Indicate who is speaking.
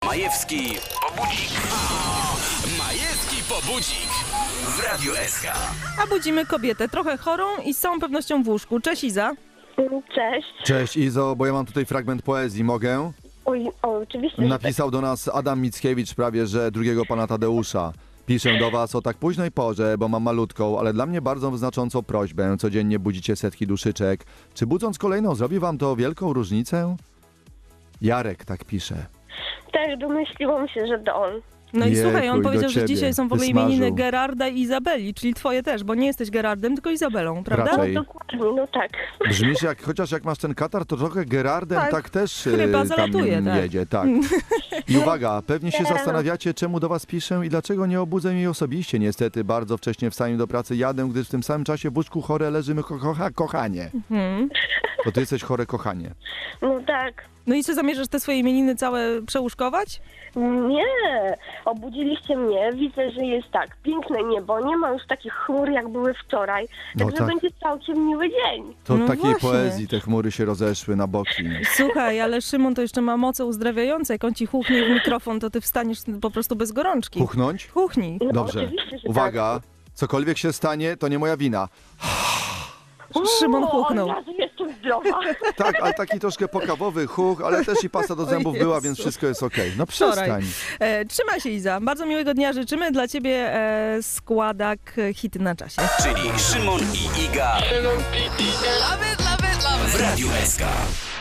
Speaker 1: Majewski Pobudzik. Majewski Pobudzik w Radiu SK.
Speaker 2: A budzimy kobietę, trochę chorą i z całą pewnością w łóżku. Cześć Iza.
Speaker 3: Cześć.
Speaker 4: Cześć Izo, bo ja mam tutaj fragment poezji, mogę?
Speaker 3: Oj, oczywiście. że
Speaker 4: Napisał do nas Adam Mickiewicz prawie, że drugiego pana Tadeusza. Piszę do was o tak późnej porze, bo mam malutką, ale dla mnie bardzo znaczącą prośbę. Codziennie budzicie setki duszyczek. Czy budząc kolejną zrobi wam to wielką różnicę? Jarek tak pisze.
Speaker 3: Tak, domyśliłam się, że to on.
Speaker 2: No i
Speaker 4: Jejku,
Speaker 2: słuchaj, on
Speaker 4: i do
Speaker 2: powiedział, że
Speaker 4: ciebie.
Speaker 2: dzisiaj są w ogóle
Speaker 4: Wysmażył.
Speaker 2: imieniny Gerarda i Izabeli, czyli twoje też, bo nie jesteś Gerardem, tylko Izabelą, prawda?
Speaker 4: Raczej.
Speaker 3: Dokładnie, no tak.
Speaker 4: Brzmisz jak, chociaż jak masz ten katar, to trochę Gerardem
Speaker 2: Tak,
Speaker 4: tak też
Speaker 2: chyba
Speaker 4: tam
Speaker 2: zalatuje, tak.
Speaker 4: jedzie. Tak. I uwaga, pewnie się zastanawiacie, czemu do was piszę i dlaczego nie obudzę jej osobiście. Niestety bardzo wcześnie wstaję do pracy, jadę, gdyż w tym samym czasie w łóżku chore leżymy kochanie. To ty jesteś chore kochanie.
Speaker 3: No tak.
Speaker 2: No i czy zamierzasz te swoje imieniny całe przełóżkować?
Speaker 3: Nie, obudziliście mnie, widzę, że jest tak, piękne niebo, nie ma już takich chmur, jak były wczoraj,
Speaker 4: No
Speaker 3: także
Speaker 4: tak.
Speaker 3: będzie całkiem miły dzień.
Speaker 4: To
Speaker 2: No
Speaker 4: takiej
Speaker 2: właśnie.
Speaker 4: poezji te chmury się rozeszły na boki.
Speaker 2: Słuchaj, ale Szymon to jeszcze ma moce uzdrawiające. Jak on ci chuchnie w mikrofon, to ty wstaniesz po prostu bez gorączki.
Speaker 4: Puchnąć?
Speaker 2: Chuchnij.
Speaker 3: No,
Speaker 4: Dobrze.
Speaker 3: oczywiście, że
Speaker 4: Uwaga, cokolwiek się stanie, to nie moja wina.
Speaker 3: tak.
Speaker 2: Szymon
Speaker 3: O,
Speaker 2: chuchnął.
Speaker 3: Od razu jestem zdrowa.
Speaker 4: Tak, ale taki troszkę pokawowy chuch, ale też i pasta do zębów
Speaker 2: Jezu.
Speaker 4: była, więc wszystko jest okej. No
Speaker 2: Wczoraj.
Speaker 4: przestań.
Speaker 2: Trzymaj się Iza. Bardzo miłego dnia życzymy. Dla ciebie składak hity na czasie.
Speaker 1: Czyli Szymon i Iga w Radiu SK.